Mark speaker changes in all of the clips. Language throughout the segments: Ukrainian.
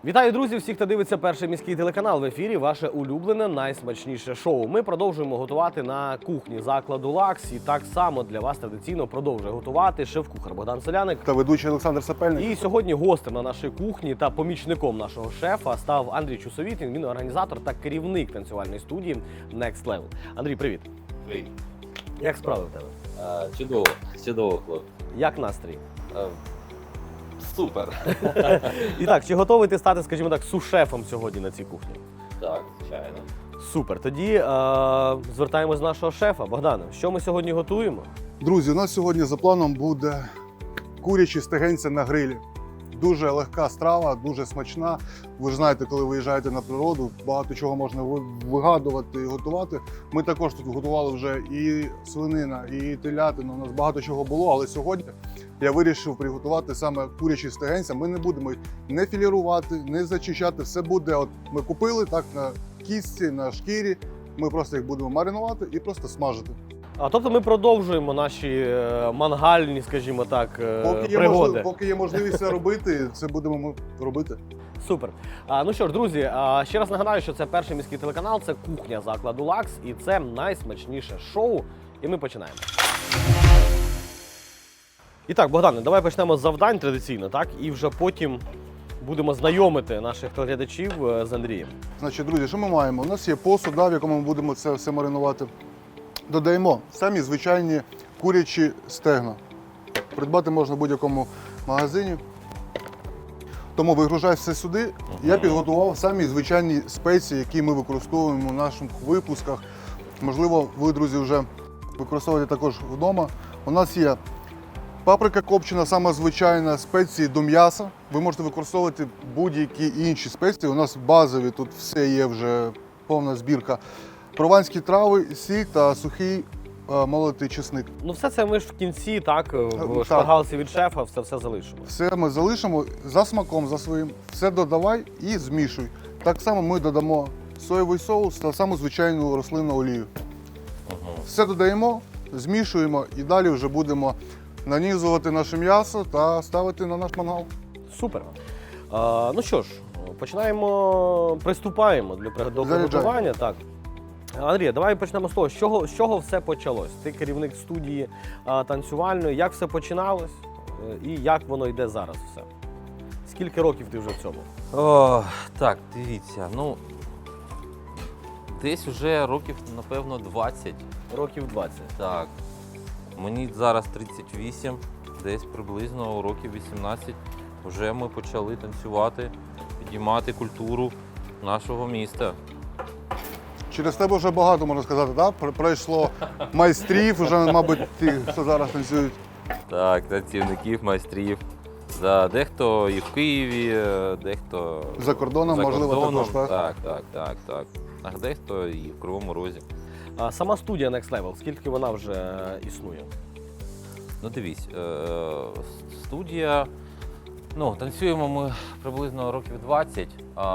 Speaker 1: Вітаю, друзі! Всіх, хто дивиться перший міський телеканал. В ефірі ваше улюблене, найсмачніше шоу. Ми продовжуємо готувати на кухні закладу «Лакс». І так само для вас традиційно продовжує готувати шеф-кухар Богдан Соляник
Speaker 2: та ведучий Олександр Сапельник.
Speaker 1: І сьогодні гостем на нашій кухні та помічником нашого шефа став Андрій Чусовітін. Він організатор та керівник танцювальної студії Next Level. Андрій, привіт!
Speaker 3: Привіт.
Speaker 1: Як справи в тебе?
Speaker 3: Чудово, хлопці.
Speaker 1: Як настрій?
Speaker 3: Супер.
Speaker 1: І так, чи готовий ти стати, скажімо так, сушефом сьогодні на цій кухні?
Speaker 3: Так, звичайно.
Speaker 1: Супер. Тоді звертаємось до нашого шефа. Богдане, що ми сьогодні готуємо?
Speaker 2: Друзі, у нас сьогодні за планом буде курячі стегенці на грилі. Дуже легка страва, дуже смачна. Ви ж знаєте, коли виїжджаєте на природу, багато чого можна вигадувати і готувати. Ми також тут готували вже і свинина, і телятина. У нас багато чого було, але сьогодні я вирішив приготувати саме курячі стегенця. Ми не будемо їх не філірувати, не зачищати. Все буде, от ми купили так на кістці, на шкірі. Ми просто їх будемо маринувати і просто смажити.
Speaker 1: Тобто ми продовжуємо наші мангальні, скажімо так, пригоди.
Speaker 2: Поки є можливість це робити, це будемо ми робити.
Speaker 1: Супер. Ну що ж, друзі, ще раз нагадаю, що це перший міський телеканал, це кухня закладу «Лакс» і це найсмачніше шоу. І ми починаємо. І так, Богдане, давай почнемо з завдань традиційно, так? І вже потім будемо знайомити наших глядачів з Андрієм.
Speaker 2: Значить, друзі, що ми маємо? У нас є посуд, в якому ми будемо це все маринувати. Додаємо самі звичайні курячі стегна. Придбати можна в будь-якому магазині. Тому вигружай все сюди. Я підготував самі звичайні спеції, які ми використовуємо в наших випусках. Можливо, ви, друзі, вже використовуєте також вдома. У нас є паприка копчена, сама звичайна, спеції до м'яса. Ви можете використовувати будь-які інші спеції. У нас базові, тут все є вже повна збірка. Прованські трави, сіль та сухий молотий чесник.
Speaker 1: Ну все це ми ж в кінці, так, в шпаргалці від шефа все залишимо.
Speaker 2: Все ми залишимо за смаком, за своїм. Все додавай і змішуй. Так само ми додамо соєвий соус та саму звичайну рослинну олію. Все додаємо, змішуємо і далі вже будемо нанізувати наше м'ясо та ставити на наш мангал.
Speaker 1: Супер. Ну що ж, приступаємо до приготування. Так. Андрій, давай почнемо з того, з чого все почалось. Ти керівник студії танцювальної, як все починалось і як воно йде зараз все? Скільки років ти вже в цьому?
Speaker 3: Так, дивіться, десь вже років, напевно, 20.
Speaker 1: Років 20.
Speaker 3: Так. Мені зараз 38, десь приблизно років 18 вже ми почали танцювати, підіймати культуру нашого міста.
Speaker 2: Через тебе вже багато, можна сказати, так? Пройшло майстрів, вже, мабуть, ті, хто зараз танцюють.
Speaker 3: Так, танцівників, майстрів. Да, дехто і в Києві, дехто
Speaker 2: За кордоном, можливо, також, так?
Speaker 3: Так. А дехто і в Кривому Розі.
Speaker 1: Сама студія Next Level, скільки вона вже існує?
Speaker 3: Ну дивись, студія, танцюємо ми приблизно років 20.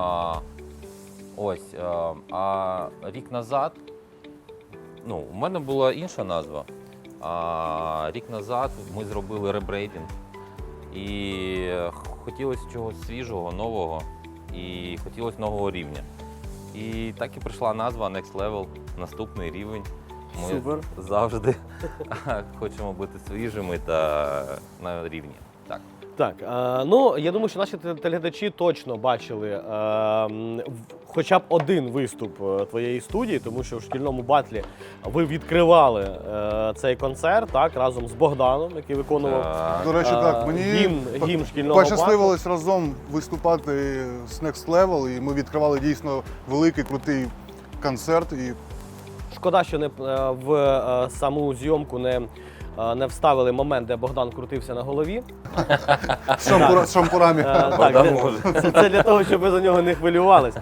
Speaker 3: А рік назад, у мене була інша назва, а рік назад ми зробили ребрейдинг і хотілося чогось свіжого, нового і хотілося нового рівня. І так і прийшла назва Next Level, наступний рівень. Ми
Speaker 1: Супер.
Speaker 3: Завжди хочемо бути свіжими та на рівні.
Speaker 1: Так, я думаю, що наші телеглядачі точно бачили хоча б один виступ твоєї студії, тому що в шкільному батлі ви відкривали цей концерт, так, разом з Богданом, який виконував
Speaker 2: До речі, так, мені
Speaker 1: гімн шкільного батлу.
Speaker 2: Пощасливилось разом виступати з Next Level, і ми відкривали дійсно великий, крутий концерт.
Speaker 1: Шкода, що в саму зйомку не вставили момент, де Богдан крутився на голові.
Speaker 2: З шампурами.
Speaker 1: Це для того, щоб ви за нього не хвилювалися.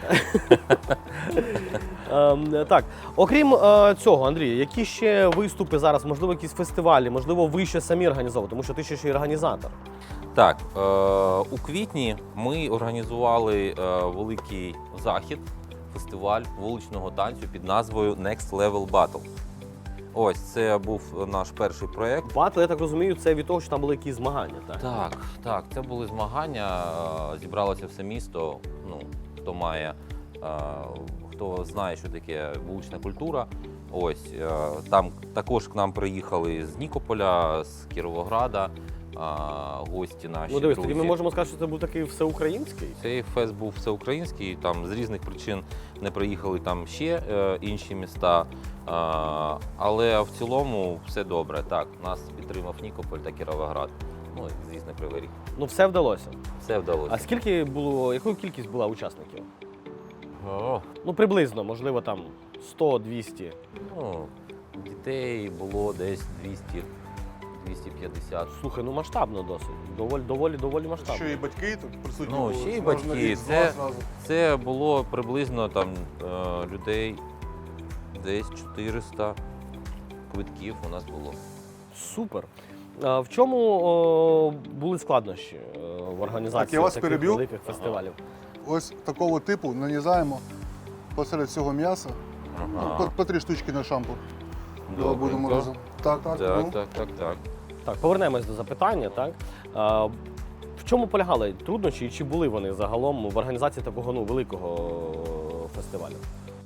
Speaker 1: Так, окрім цього, Андрій, які ще виступи зараз, можливо, якісь фестивалі, можливо, ви ще самі організовуєте, тому що ти ще й організатор.
Speaker 3: Так, у квітні ми організували великий захід, фестиваль вуличного танцю під назвою Next Level Battle. Ось це був наш перший проєкт.
Speaker 1: Батл, я так розумію, це від того, що там були якісь змагання, так?
Speaker 3: Так, це були змагання. Зібралося все місто. Ну, хто має, хто знає, що таке вулична культура. Ось там також к нам приїхали з Нікополя, з Кіровограда, гості наші.
Speaker 1: Ну дивись,
Speaker 3: друзі.
Speaker 1: тоді ми можемо сказати, що це був такий всеукраїнський.
Speaker 3: Цей фест був всеукраїнський, там з різних причин не приїхали там ще інші міста. Але в цілому все добре. Так, нас підтримав Нікополь та Кіровоград. Ну, і, звісно, Кривий Ріг.
Speaker 1: Ну все вдалося.
Speaker 3: Все вдалося.
Speaker 1: А скільки було, яка кількість була учасників?
Speaker 3: О,
Speaker 1: Ну приблизно, можливо, там 100-200.
Speaker 3: ну, дітей було десь 200-250.
Speaker 1: Слухай, ну масштабно досить. Доволі масштабно.
Speaker 2: Що і батьки тут присутні
Speaker 3: Ну,
Speaker 2: були,
Speaker 3: ще й
Speaker 2: можна
Speaker 3: батьки.
Speaker 2: і з
Speaker 3: Це-
Speaker 2: вас зразу.
Speaker 3: Це було приблизно там людей десь 400 квитків у нас було.
Speaker 1: Супер. А в чому були складнощі в організації
Speaker 2: Так, я вас
Speaker 1: таких
Speaker 2: переб'ю.
Speaker 1: великих фестивалів?
Speaker 2: Ось такого типу нанізаємо посеред цього м'яса. Ну, по 3 штучки на шампур. Давай будемо
Speaker 3: Добренько.
Speaker 2: разом. Так.
Speaker 3: Так.
Speaker 1: Так, повернемось до запитання. Так? В чому полягали труднощі і чи були вони загалом в організації такого великого фестивалю?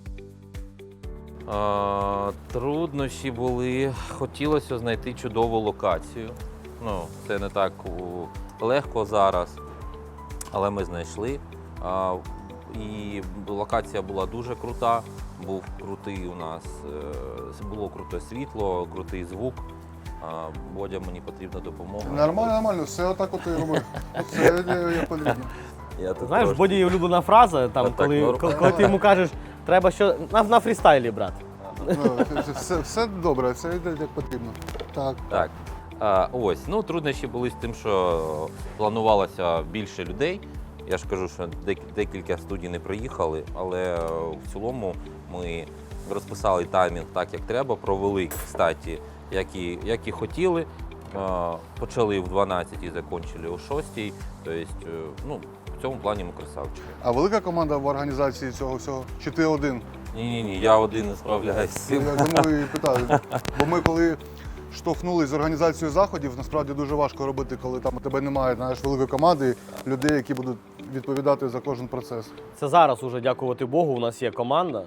Speaker 3: Труднощі були. Хотілося знайти чудову локацію. Ну, це не так легко зараз, але ми знайшли. І локація була дуже крута. Був крутий у нас, було круте світло, крутий звук. Бодя, мені потрібна допомога.
Speaker 2: Нормально, все отак от і робив. Все як потрібно.
Speaker 3: Я тут
Speaker 1: Знаєш, в
Speaker 3: трошки-
Speaker 1: Боді є улюблена фраза, там,
Speaker 3: Так,
Speaker 1: коли,
Speaker 3: норм.
Speaker 1: коли ти йому кажеш, треба що на фрістайлі, брат.
Speaker 2: Ну, все добре, це йде як потрібно. Так.
Speaker 3: Так. Ось, ну труднощі були з тим, що планувалося більше людей. Я ж кажу, що декілька студій не приїхали, але в цілому ми розписали таймінг так, як треба, провели, кстати, як і хотіли. Почали в 12 і закінчили о 6. Тобто, ну, в цьому плані ми красавчики.
Speaker 2: А велика команда в організації цього всього? Чи ти один?
Speaker 3: Ні, я один не справляюсь з цим.
Speaker 2: Я тому і питаю. Бо ми коли штовхнулись з організацією заходів, насправді дуже важко робити, коли там у тебе немає, знаєш, великої команди, людей, які будуть відповідати за кожен процес.
Speaker 1: Це зараз уже, дякувати Богу, у нас є команда.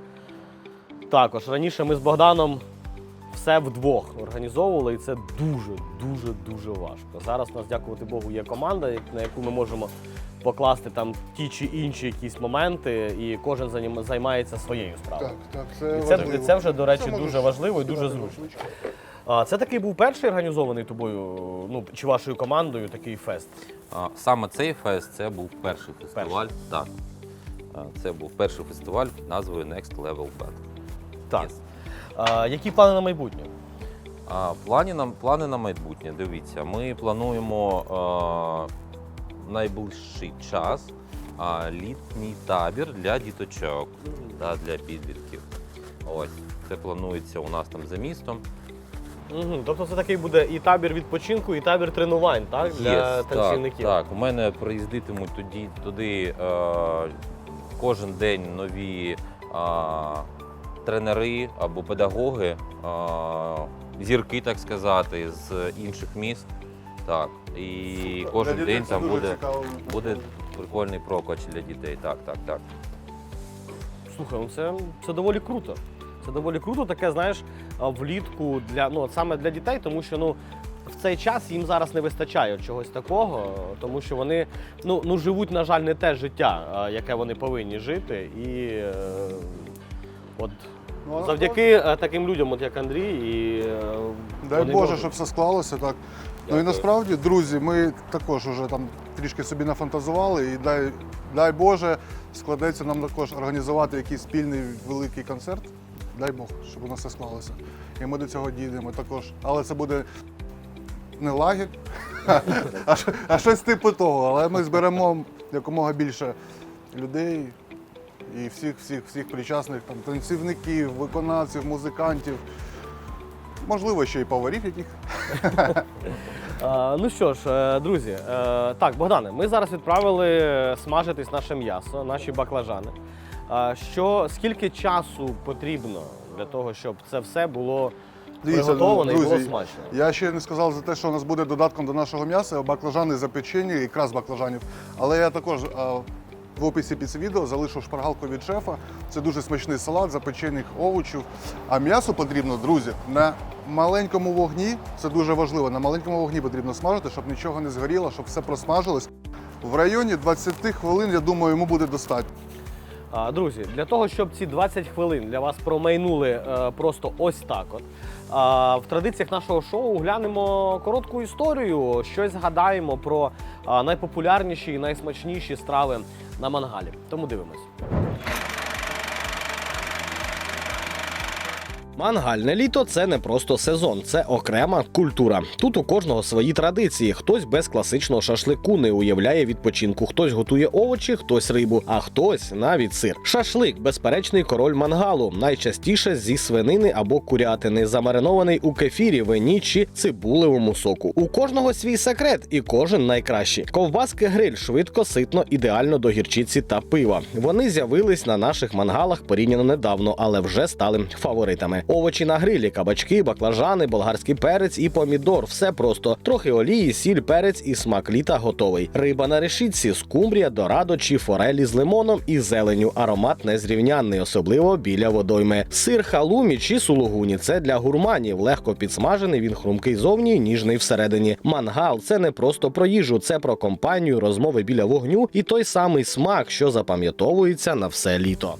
Speaker 1: Також раніше ми з Богданом все вдвох організовували, і це дуже важко. Зараз у нас, дякувати Богу, є команда, на яку ми можемо покласти там ті чи інші якісь моменти, і кожен займається своєю справою.
Speaker 2: Так, це
Speaker 1: І це,
Speaker 2: важливо.
Speaker 1: і це вже, до речі,
Speaker 2: Це можеш
Speaker 1: дуже важливо і дуже
Speaker 2: кидати
Speaker 1: зручно.
Speaker 2: ручки.
Speaker 1: Це такий був перший організований тобою, ну чи вашою командою такий фест?
Speaker 3: Саме цей фест це був перший фестиваль. Так. Це був перший фестиваль під назвою Next Level Battle.
Speaker 1: Так.
Speaker 3: Yes.
Speaker 1: Які плани на майбутнє?
Speaker 3: Плани на майбутнє. Дивіться, ми плануємо найближчий час літній табір для діточок та для підлітків. Ось, це планується у нас там за містом.
Speaker 1: Угу. Тобто це такий буде і табір відпочинку, і табір тренувань, так? Для
Speaker 3: Є,
Speaker 1: танцівників.
Speaker 3: Так, у мене приїздитимуть туди кожен день нові тренери або педагоги, зірки, так сказати, з інших міст. Так. І кожен
Speaker 2: Для дітей
Speaker 3: день
Speaker 2: це
Speaker 3: там
Speaker 2: дуже цікаво.
Speaker 3: буде прикольний прокач для дітей. Так.
Speaker 1: Слухай, ну це доволі круто. Це доволі круто, таке, знаєш, влітку для саме для дітей, тому що в цей час їм зараз не вистачає чогось такого, тому що вони живуть, на жаль, не те життя, яке вони повинні жити. І от
Speaker 2: Ну,
Speaker 1: завдяки таким людям, от як Андрій, і
Speaker 2: Дай
Speaker 1: вони
Speaker 2: Боже,
Speaker 1: можуть.
Speaker 2: щоб все склалося так. Ну і
Speaker 3: Дякую.
Speaker 2: насправді, друзі, ми також вже там трішки собі нафантазували, і дай Боже, складеться нам також організувати якийсь спільний великий концерт. Дай Бог, щоб у нас все склалося. І ми до цього дійдемо також. Але це буде не лагерь, а щось типу того. Але ми зберемо якомога більше людей і всіх причасних там, танцівників, виконавців, музикантів. Можливо, ще й поварів яких.
Speaker 1: Ну що ж, друзі, так, Богдане, ми зараз відправили смажитись наше м'ясо, наші баклажани. Скільки часу потрібно для того, щоб це все було приготоване і було
Speaker 2: друзі,
Speaker 1: смачно.
Speaker 2: я ще не сказав за те, що у нас буде додатком до нашого м'яса баклажани запечені, ікра з баклажанів. Але я також в описі під цим відео залишу шпаргалку від шефа. Це дуже смачний салат запечених овочів. А м'ясо потрібно, друзі, на маленькому вогні, це дуже важливо, на маленькому вогні потрібно смажити, щоб нічого не згоріло, щоб все просмажилось. В районі 20 хвилин, я думаю, йому буде достатньо.
Speaker 1: Друзі, для того, щоб ці 20 хвилин для вас промайнули просто ось так от, в традиціях нашого шоу глянемо коротку історію, щось згадаємо про найпопулярніші і найсмачніші страви на мангалі. Тому дивимось. Мангальне літо – це не просто сезон, це окрема культура. Тут у кожного свої традиції. Хтось без класичного шашлику не уявляє відпочинку, хтось готує овочі, хтось рибу, а хтось навіть сир. Шашлик – безперечний король мангалу, найчастіше зі свинини або курятини, замаринований у кефірі, вині чи цибулевому соку. У кожного свій секрет і кожен найкращий. Ковбаски гриль швидко, ситно, ідеально до гірчиці та пива. Вони з'явились на наших мангалах порівняно недавно, але вже стали фаворитами. Овочі на грилі, кабачки, баклажани, болгарський перець і помідор. Все просто. Трохи олії, сіль, перець і смак літа готовий. Риба на решітці, скумбрія, дорадо чи форелі з лимоном і зеленю. Аромат незрівнянний, особливо біля водойми. Сир халумі чи сулугуні – це для гурманів. Легко підсмажений, він хрумкий зовні, ніжний всередині. Мангал – це не просто про їжу, це про компанію, розмови біля вогню і той самий смак, що запам'ятовується на все літо.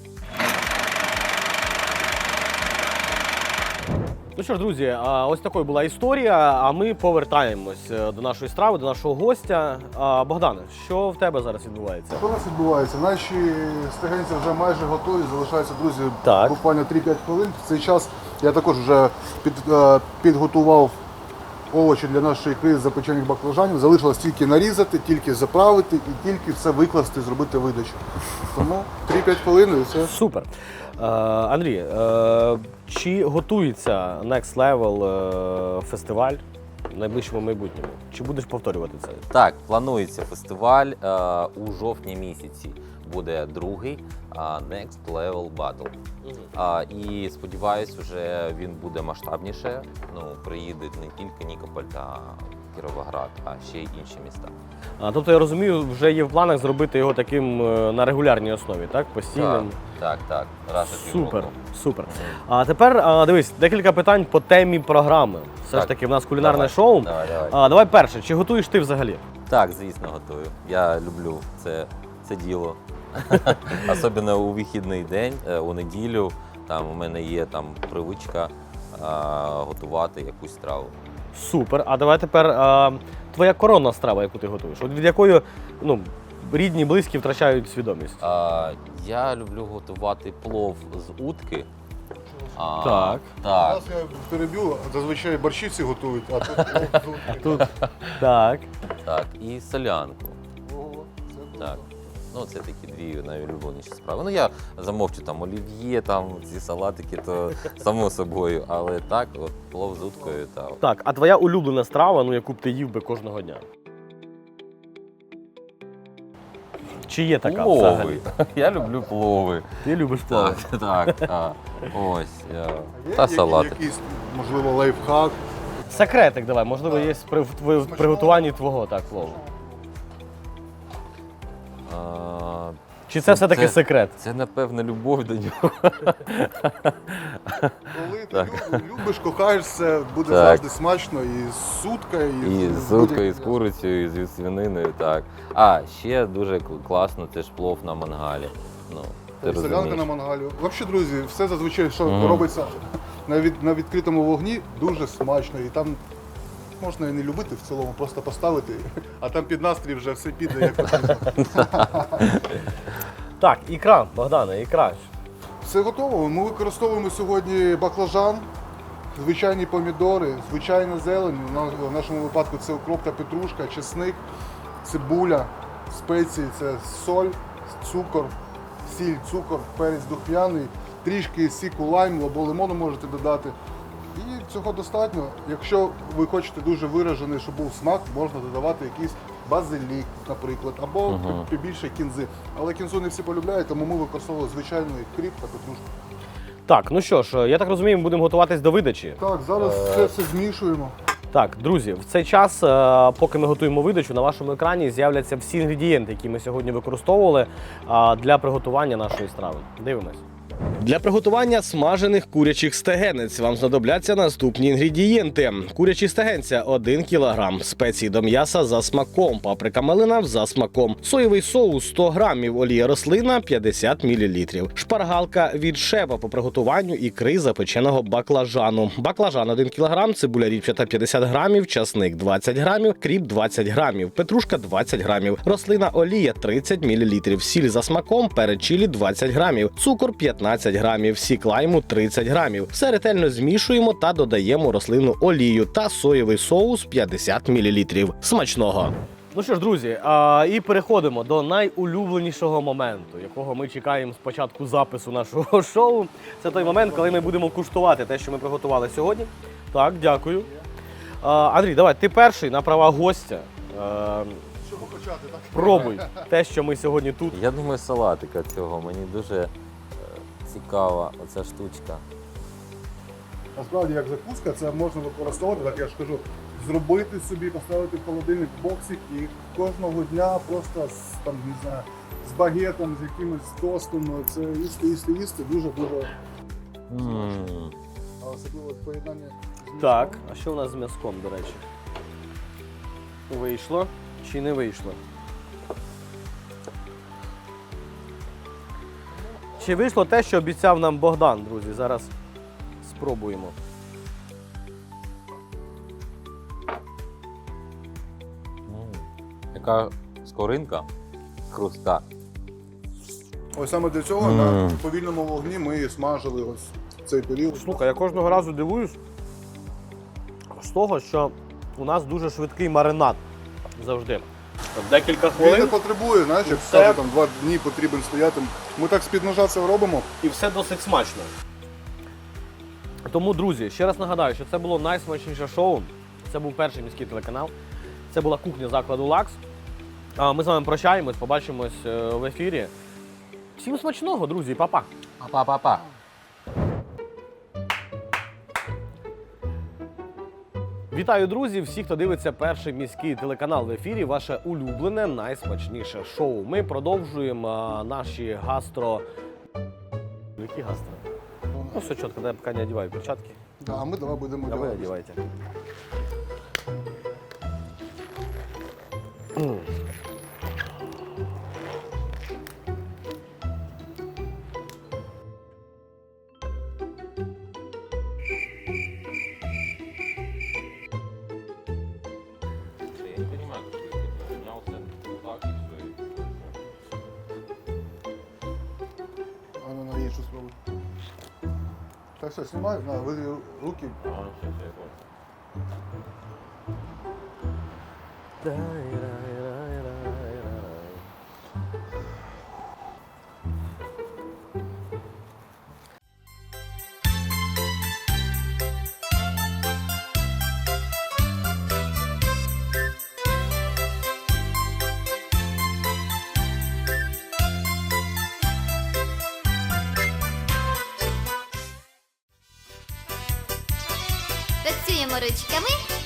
Speaker 1: Ну що ж, друзі, ось такою була історія, а ми повертаємось до нашої страви, до нашого гостя. Богдане, що в тебе зараз відбувається?
Speaker 2: Що у нас відбувається? Наші стегенці вже майже готові, залишаються, друзі,
Speaker 1: Так.
Speaker 2: буквально 3-5 хвилин. В цей час я також вже підготував овочі для нашої ікри з запечених баклажанів. Залишилось тільки нарізати, тільки заправити і тільки все викласти, зробити видачу. Тому 3-5 хвилин і все.
Speaker 1: Супер. Андрій, чи готується Next Level фестиваль в найближчому майбутньому? Чи будеш повторювати це?
Speaker 3: Так, планується фестиваль у жовтні місяці. Буде другий Next Level Battle. І сподіваюсь, вже він буде масштабніше. Ну, приїде не тільки Нікополь та Кіровоград, а ще й інші міста.
Speaker 1: Тобто, я розумію, вже є в планах зробити його таким на регулярній основі, так? Постійним?
Speaker 3: Так. Раз у
Speaker 1: Супер,
Speaker 3: півроку.
Speaker 1: супер. А тепер, дивись, декілька питань по темі програми. Все ж
Speaker 3: Так.
Speaker 1: таки, в нас кулінарне
Speaker 3: Давай,
Speaker 1: шоу.
Speaker 3: давай.
Speaker 1: Давай перше, чи готуєш ти взагалі?
Speaker 3: Так, звісно, готую. Я люблю це діло. Особливо у вихідний день, у неділю. Там у мене є привичка готувати якусь страву.
Speaker 1: Супер. А давай тепер твоя коронна страва, яку ти готуєш. От від якої рідні, близькі втрачають свідомість.
Speaker 3: Я люблю готувати плов з утки.
Speaker 1: Так.
Speaker 3: Так.
Speaker 2: Зараз я переб'ю, зазвичай борщі всі готують, а тут
Speaker 1: Так.
Speaker 3: Так, і солянку. Так. Ну, це такі дві найулюбленіші справи. Ну, я замовчу олів'є, ці салатики, то само собою. Але так, от плов з уткою та.
Speaker 1: Так, а твоя улюблена страва, яку б ти їв би кожного дня? Чи є така взагалі?
Speaker 3: Плови. Я люблю плови.
Speaker 1: Ти любиш плови?
Speaker 3: Так. Ось. Та салатик.
Speaker 2: якийсь, можливо, лайфхак.
Speaker 1: Секретик давай, можливо, є в приготуванні твого плову. Чи це все-таки секрет?
Speaker 3: Це, напевно, любов до нього.
Speaker 2: Коли ти любиш, кохаєшся, буде
Speaker 3: Так.
Speaker 2: завжди смачно і з уткою,
Speaker 3: І з уткою, і з курицею, і з свининою, так. А, ще дуже класно, це ж плов на мангалі. Ну, ти
Speaker 2: солянка на
Speaker 3: розумієш.
Speaker 2: мангалі. Взагалі, друзі, все зазвичай, що робиться на відкритому вогні, дуже смачно. І там можна і не любити в цілому, просто поставити, а там під настрій вже все піде, як потрібно.
Speaker 1: Так, ікра, Богдане, ікра.
Speaker 2: Все готово. Ми використовуємо сьогодні баклажан, звичайні помідори, звичайна зелень. В нашому випадку це укроп та петрушка, чесник, цибуля, спеції, це соль, цукор, сіль, цукор, перець духмяний, трішки сіку лайму або лимону можете додати. І цього достатньо. Якщо ви хочете дуже виражений, щоб був смак, можна додавати якийсь базилік, наприклад, або побільше кінзи. Але кінзу не всі полюбляють, тому ми використовували звичайний кріп та петрушку.
Speaker 1: Так, ну що ж, я так розумію, ми будемо готуватись до видачі.
Speaker 2: Так, зараз це все змішуємо.
Speaker 1: Так, друзі, в цей час, поки ми готуємо видачу, на вашому екрані з'являться всі інгредієнти, які ми сьогодні використовували для приготування нашої страви. Дивимось. Для приготування смажених курячих стегенець вам знадобляться наступні інгредієнти. Курячі стегенця 1 кг, спеції до м'яса за смаком, паприка малина за смаком, соєвий соус 100 г, олія рослина 50 мл, шпаргалка від шефа по приготуванню ікри запеченого баклажану, баклажан 1 кг, цибуля ріпчата 50 г, часник 20 г, кріп 20 г, петрушка 20 г, рослина олія 30 мл, сіль за смаком, перець чилі 20 г, цукор 15 грамів, сік лайму 30 грамів. Все ретельно змішуємо та додаємо рослинну олію та соєвий соус 50 мл. Смачного! Ну що ж, друзі, і переходимо до найулюбленішого моменту, якого ми чекаємо з початку запису нашого шоу. Це той момент, коли ми будемо куштувати те, що ми приготували сьогодні. Так, дякую. Андрій, давай, ти перший на права гостя.
Speaker 2: Щоб почати, так?
Speaker 1: Пробуй те, що ми сьогодні тут.
Speaker 3: Я думаю, салатика цього. Мені дуже цікава оця штучка.
Speaker 2: Насправді, як закуска, це можна використовувати, так я ж кажу, зробити собі, поставити в холодильник боксик і кожного дня просто там, не знаю, з багетом, з якимось тостом, це їсти дуже-дуже. А особливо в поєднанні з м'ясом.
Speaker 1: Так, а що у нас з м'язком, до речі? Вийшло чи не вийшло? Чи вийшло те, що обіцяв нам Богдан, друзі? Зараз спробуємо.
Speaker 3: Яка скоринка хрустка.
Speaker 2: Ось саме для цього на повільному вогні ми і смажили ось цей період.
Speaker 1: Слухай, я кожного разу дивуюсь з того, що у нас дуже швидкий маринад завжди. Декілька
Speaker 2: Він не
Speaker 1: хвилин
Speaker 2: потребує, знаєш, як
Speaker 1: все.
Speaker 2: скажу, там 2 дні потрібен стояти. Ми так з-під ножа це робимо.
Speaker 1: і все досить смачно. Тому, друзі, ще раз нагадаю, що це було найсмачніше шоу. Це був перший міський телеканал. Це була кухня закладу «Лакс». Ми з вами прощаємось, побачимось в ефірі. Всім смачного, друзі, па-па!
Speaker 3: Па-па-па.
Speaker 1: Вітаю, друзі! Всі, хто дивиться перший міський телеканал в ефірі, ваше улюблене, найсмачніше шоу. Ми продовжуємо наші гастро... Які гастро? Ну, все чітко, я поки не одягаю перчатки.
Speaker 2: Да, а ми давай будемо
Speaker 1: А ви
Speaker 2: робити.
Speaker 1: одягайте.
Speaker 3: Я не понимаю, как ты поднялся так и все.
Speaker 2: А ну на іншу спробуй. Так все, знімай, на, ви руки.
Speaker 3: Ага, сейчас я понял.
Speaker 4: Працюємо ручками